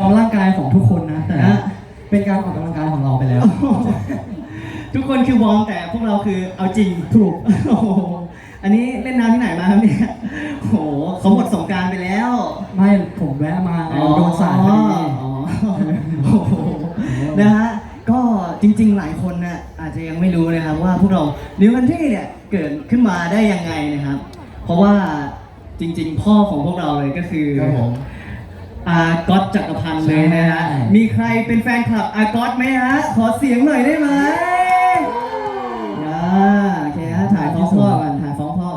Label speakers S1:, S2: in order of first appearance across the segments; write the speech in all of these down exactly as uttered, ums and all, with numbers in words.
S1: ำร่างกายของทุกคนนะแต่เป็นการออกกำลังกายของเราไปแล้ว
S2: ทุกคนคือวอร์มแต่พวกเราคือเอาจริงถูกโอ้โหอันนี้เล่นน้ำที่ไหนมาครับเนี่ยโอ้โหเขาหมดสงกรานต์ไปแล้ว
S1: ไม่ผมแวะมาโดนสาดพอดี
S2: อ๋อโอ้โหนะฮะก็จริงๆหลายคนนะอาจจะยังไม่รู้นะครับว่าพวกเรานิวคันทรีเนี่ยเกิดขึ้นมาได้ยังไงนะครับเพราะว่าจริงๆพ่อของพวกเราเลยก็คืออาก๊อตจักรพันธ์เลยนะฮะมีใครเป็นแฟนคลับอาก๊อตไหมฮะขอเสียงหน่อยได้ไหมอ่าโอเคฮะถ่ายฟ้องพ่อกันถ่ายฟ้องพ่อ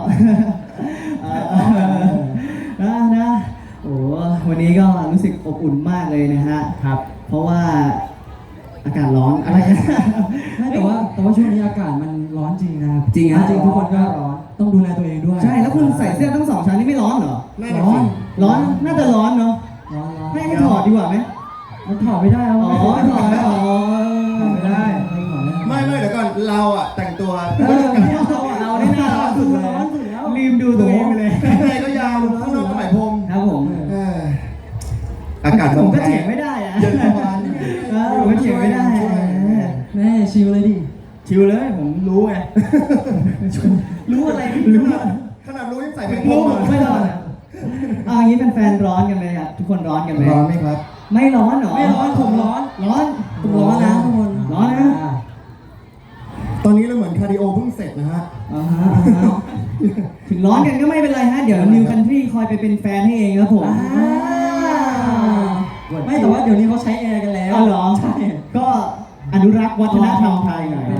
S2: นะนะโอ้วันนี้ก็รู้สึกอบอุ่นมากเลยนะฮะ
S1: ครับ
S2: เพราะว่าอากาศร้อนอะไร
S1: ไม่แต่ว่าแต่ว่าช่วงนี้อากาศมันร้อนจริงนะ
S2: จริงฮะ
S1: จริงทุกคนก็ร้อนต้องดูแลตัวเองด้วย
S2: ใช่แล้วคุณใส่เสื้อทั้งสองชั้นนี่ไม่ร้อนเหรอ
S1: ร้อน
S2: ร้อนน่าจะร้อนเนาะ
S1: ร้อนร้อน
S2: ให้ถอดดีกว่าไหม
S1: มันถอดไม่ได้อ๋อ
S2: ถอดไม่อ๋อ
S1: ถอดไม่ได้
S3: ไม่ไม่เดี๋ยวก่อนเราอ่ะแต่งตัว
S2: เราได้น่าร้อนสุดเลยลืมดูตัวเองไปเลย
S3: ข้างในก็ยาวข้างนอกก็ไหมพรม
S2: ครับผม
S3: อากาศ
S2: ผมก็เถียงไม่ได้อะ
S3: เย็นประมาณ
S2: ผมก็เถียงไม่ได้
S1: แม่ชิลเลยดิ
S2: ชิลเลยผมรู้ไงรู้อะไรรู้
S3: ขนาดรู้ยังใส่เป็นพ
S2: ร
S3: ม
S2: ไม่ร้อนอ่ะอ่างี้เป็นแฟนร้อนกันไหมครับทุกคนร้อนกันไหม
S3: ร้อนไหมครับ
S2: ไม่ร้อนหรอ
S1: ไม่ร้อนผมร้อน
S2: ร้อน
S1: ผมร้อนนะทุกคน
S2: ร้อนนะ
S3: ตอนนี้เราเหมือนคาร์ดิโอเพิ่งเสร็จนะฮะ
S2: อ่าฮะถึงร้อนกันก็ไม่เป็นไรฮะเดี๋ยวนิวคันทรีคอยไปเป็นแฟนให้เองครับผม
S1: ไม่แต่ว่าเดี๋ยวนี้เขาใช้แอร์กันแล้ว
S2: อ๋อเหรอ
S1: ใช่
S2: ก็อนุรักษ์วัฒนธรรมไทยหน่อย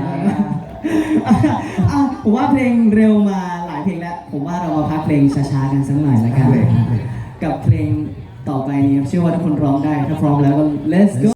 S2: ผมว่าเพลงเร็วมาหลายเพลงแล้วผมว่าเรามาพักเพลงช้าๆกันสักหน่อยแล้วกันกับเพลงต่อไปนี้เชื่อว่าทุกคนร้องได้ถ้าพร้อมแล้วก็ let's go